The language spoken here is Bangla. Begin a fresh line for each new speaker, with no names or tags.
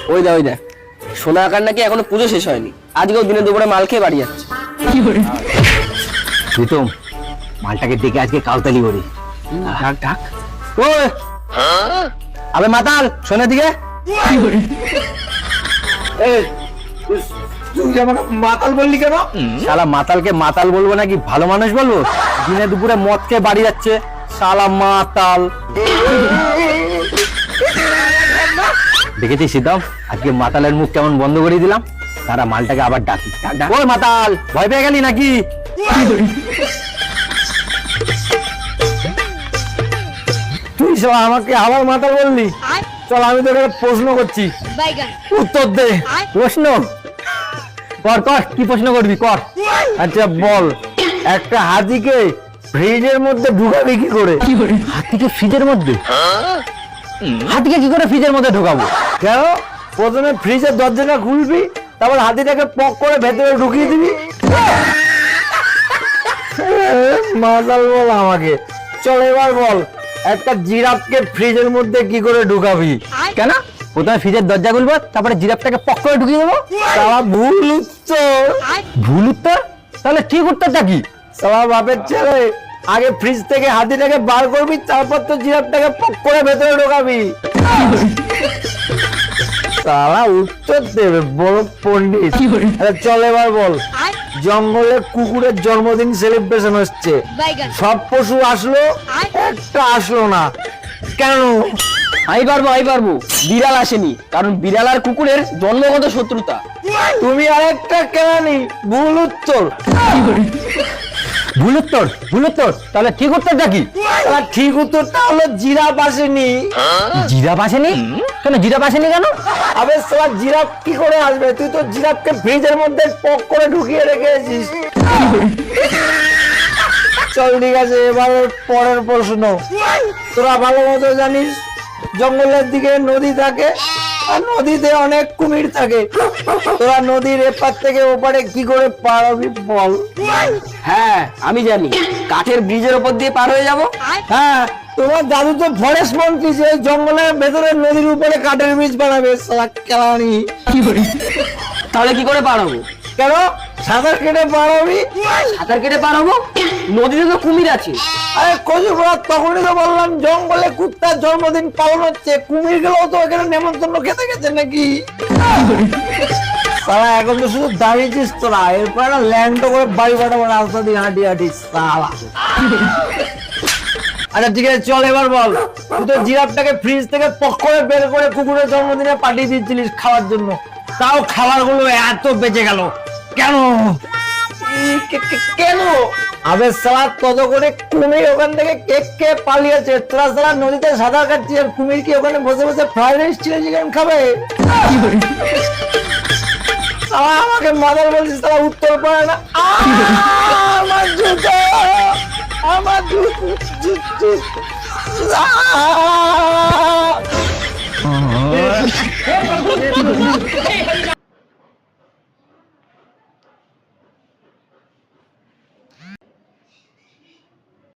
ওই দেখ সোনা আকার নাকি এখনো পুজো শেষ হয়নি, আজকেও দিনে দুপুরে মাল খেয়ে বাড়ি যাচ্ছে।
প্রীতম, মালটাকে ডেকে আজকে কালতালি করি।
ডাক ডাক।
ওই আবে মাতাল, শোনে দিকে।
তুই আমাকে মাতাল বললি কেন?
শালা মাতালকে মাতাল বলবো নাকি ভালো মানুষ বলবো? দিনে দুপুরে মদ খেয়ে বাড়ি যাচ্ছে, শালা মাতাল। দেখেছিস সীতাম, আজকে মাতালের মুখ কেমন বন্ধ করে দিলাম। তারা মালটাকে আবার ডাকি। ওই মাতাল, ভয় পেয়ে গেলি নাকি?
তুই সব আমাকে আবার মাতাল বললি? চল আমি তোকে প্রশ্ন করছি, উত্তর দে।
প্রশ্ন কর কর, কি প্রশ্ন করবি কর।
আচ্ছা বল, একটা হাতিকে ফ্রিজের মধ্যে ঢুকাবি কি করে?
হাতিকে ফ্রিজের মধ্যে? হাতিকে কি করে ফ্রিজের মধ্যে ঢোকাবো?
কেন? প্রথমে ফ্রিজের দরজাটা খুলবি, তারপর হাতিটাকে পক করে ভেতরে ঢুকিয়ে দিবি। মাতাল বল আমাকে। চল এবার বল, একটা জিরাফকে ফ্রিজের মধ্যে কি করে ঢুকাবি?
কেন? প্রথমে ফ্রিজের দরজা খুলবো, তারপরে জিরাফটাকে পক করে ঢুকিয়ে দেবো।
সালা ভুল উত্তর।
ভুল উত্তর? তাহলে ঠিক উত্তরটা কি?
সালা বাপের ছেলে, আগে ফ্রিজ থেকে হাতিটাকে বার করবি, তারপর তো জিরাফটাকে পক করে ভেতরে ঢোকাবি। সালা উত্তর দেবে বড় পণ্ডিত। আরে চল এবার বল, জঙ্গলে কুকুরের জন্মদিন সেলিব্রেশন হচ্ছে, সব পশু আসলো, একটা আসলো না, কেন?
আমি পারবো, বিড়াল আসেনি, কারণ বিড়াল আর কুকুরের জন্মগত শত্রুতা।
তুমি আরেকটা কেরানি, ভুল উত্তর।
ভুল উত্তর? ভুল উত্তর? তাহলে ঠিক উত্তরটা কি?
আর ঠিক উত্তরটা হলো জিরাফ আসেনি।
জিরাফ আসেনি? কেন জিরাফ আসেনি কেন?
আবে সালা জিরাফ কি করে আসবে? তুই তো জিরাফকে ফ্রিজের মধ্যে পক করে ঢুকিয়ে রেখেছিস। চল ঠিক আছে, এবার পরের প্রশ্ন। তোরা ভালো মতো জানিস জঙ্গলের দিকে নদী থাকে, আর নদীতে অনেক কুমির থাকে। তোরা নদীর এপার থেকে ওপারে কি করে পারবি বল?
হ্যাঁ আমি জানি, কাঠের ব্রিজের ওপর দিয়ে পার হয়ে যাব।
হ্যাঁ, তোমার দাদু তো ফরেস্ট মন্ত্রী, যে জঙ্গলের ভেতরে নদীর উপরে কাঠের ব্রিজ বানাবে। সালা কেলানি।
তাহলে কি করে পার হবো?
কেন? সাঁতার কেটে পারবি।
সাঁতার কেটে পার হবো? নদীতে তো কুমির আছে।
আরে কচুরা, তখনই তো বললাম জঙ্গলে কুত্তার জন্মদিন পালন হচ্ছে, কুমির গুলোও তো এখানে নেমন্তন্ন খেতে গেছে নাকি। সালা এখন তো শুধু দাঁড়িয়েছিস তোরা, এরপর একটা ল্যান্ড করে বাড়ি ফাটাবো রাস্তা দিয়ে হাঁটি হাঁটি। সালা। আচ্ছা ঠিক আছে, চল এবার বল, তুই তো জিরাফটাকে ফ্রিজ থেকে পক করে বের করে কুকুরের জন্মদিনে পাঠিয়ে দিচ্ছিলিস খাওয়ার জন্য, তাও খাবার গুলো এত বেঁচে গেল কেন?
কেন?
আবে সালা, তত করে কুমির ওখান থেকে কেক খেয়ে পালিয়েছে, তোরা সালা নদীতে সাঁতার কাটছিস, আর কুমির কি ওখানে বসে বসে ফ্রাইড রাইস চিলি চিকেন খাবে? সালা আমাকে মাদার বলছিস, তারা উত্তর পারে না। আমার জুতো, আমার জুতো।